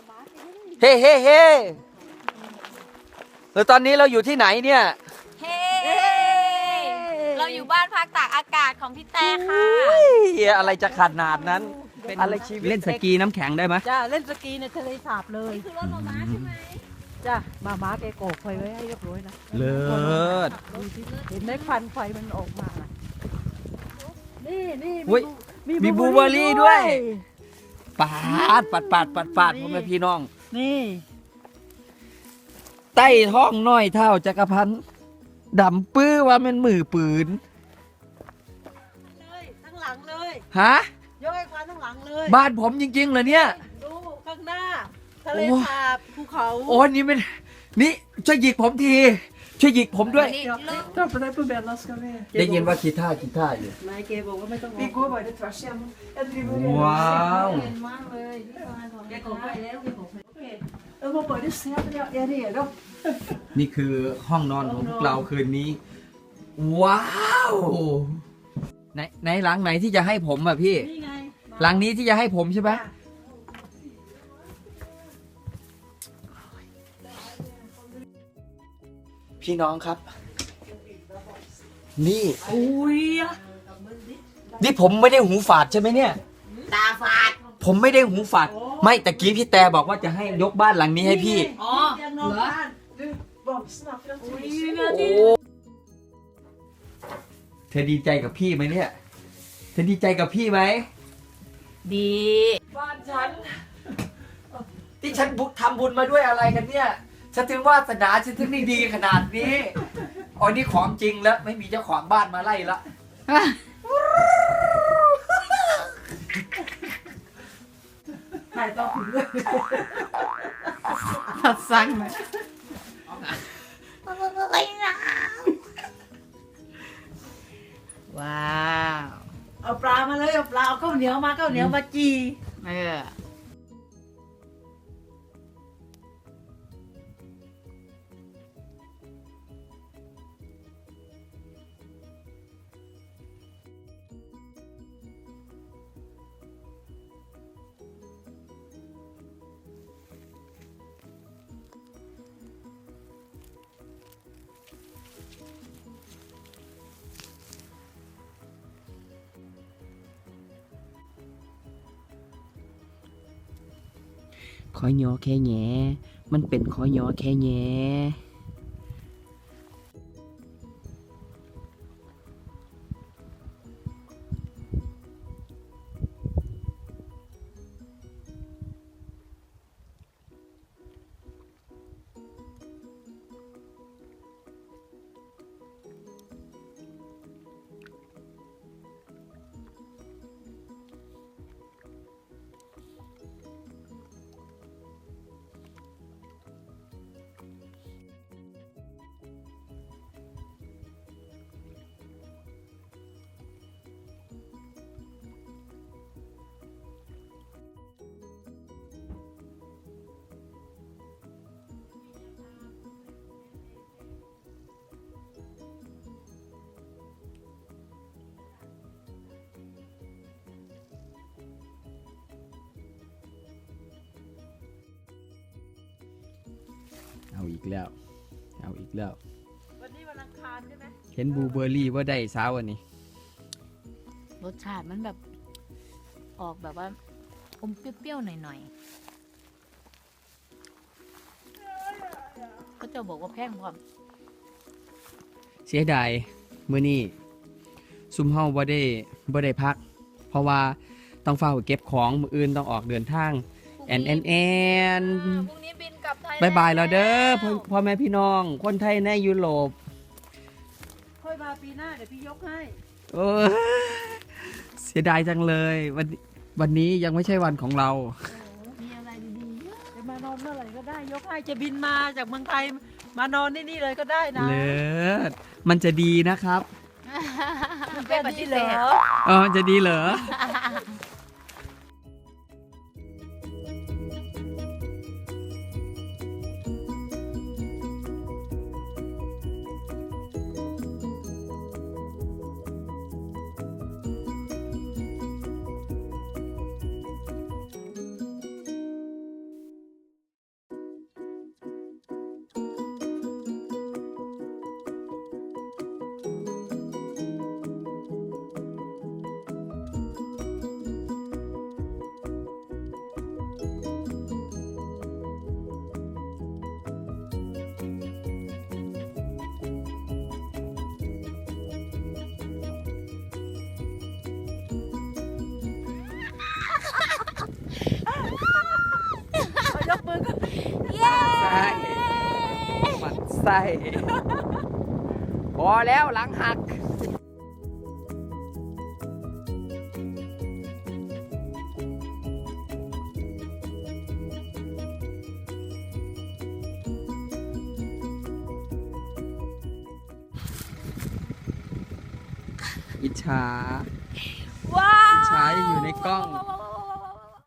เฮ้เฮ้เฮ้แล้วตอนนี้เราอยู่ที่ไหนเนี่ยเฮ้เราอยู่บ้านพักตากอากาศของพี่แต่ค่ะอะไรจะขนาดนั้นอะไรชีวิตเล่นสกีน้ำแข็งได้ไหมจ้าเล่นสกีในทะเลสาบเลยนี่คือรถม้าใช่ไหมจ้าม้าแกโกกไฟไว้ให้เรียบร้อยนะเลิศดูสิเห็นไหมควันไฟมันออกมาน่ะนี่อุ๊ยมีบลูเบอร์รี่ด้วยปาดพ่อแม่พี่น้องนี่ใต้ท้องน้อยเท่าจักรพันธ์ดำปื้อว่ามันมือปืนเลยทั้งหลังเลยฮะยกให้ควันทั้งหลังเลยบ้านผมจริงๆเหรอเนี่ยดูข้างหน้าทะเลสาบภูเขาโอ้นี่มันนี่ช่วยหยิกผมทีช่วยหยิกผมด้วยนี่เลิก Ja, för det är på Bella ska vi. ได้ยินว่ากีตาร์อยู่นายเกบอกว่าไม่ต้อง Vi går bara tvärs igenom. Jag driver ว้าวแกโกกไฟแล้วแกโกกไฟ Jag var bara se att jag är redo. นี่คือห้องนอนของพวกเราคืนนี้ ว้าวไหนหลังไหนที่จะให้ผมอ่ะพี่นี่ไงหลังนี้ที่จะให้ผมใช่ไหมพี่น้องครับ นี่อุ้ยนี่ผมไม่ได้หูฝาดใช่ไหมเนี่ยตาฝาดผมไม่ได้หูฝาด ไม่ตะกี้พี่แต่บอกว่าจะให้ยกบ้านหลังนี้ให้พี่อ๋อเตียงนอนบ้าน Du, vakna för att อุ้ย du นาทีเธอดีใจกับพี่ไหมเนี่ย เธอดีใจกับพี่ไหมดีบ้านฉัน ที่ฉันทำบุญมาด้วยอะไรกันเนี่ย ฉันถึงวาสนาฉันถึงได้ดีขนาดนี้อ๋อนี่ของจริงแล้วไม่มีเจ้าของบ้านมาไล่ละถ่ายต่อถึงเลยตัดสั่งเลยว้าวเอาปลามาเลยเอาปลาเอาข้าวเหนียวมาจีเออขอยอแค่แงมันเป็นขอยอแค่แงเอาอีกแล้ววันนี้วันอังคารใช่ไหมเห็นบลูเบอร์รี่ว่าได้เช้าวันนี้รสชาติมันแบบออกแบบว่าอมเปรี้ยวๆหน่อยๆก็จะบอกว่าแพงความเสียดายมื้อนี้ซุมเฮาบ่ได้พัก เพราะว่าต้องเฝ้าเก็บของมื้ออื่นต้องออกเดินทางแอนพรุ่งนี้บินกลับไทยบายแล้วเด้อพ่อแม่พี่น้อง คนไทยในยุโรปค่อยมาปีหน้าเดี๋ยวพี่ยกให้เออเสียดายจังเลยวันนี้ยังไม่ใช่วันของเรามีอะไรดีๆเยอะจะมานอนเมื่อไหร่ก็ได้ยกให้จะบินมาจากเมืองไทยมานอนที่นี่เลยก็ได้นะเลิศมันจะดีนะครับไม่ปฏิเสธจะดีเหรอไส้ พอแล้วหลังหัก อิจฉาว้าอิจฉาอยู่ในกล้องว้าว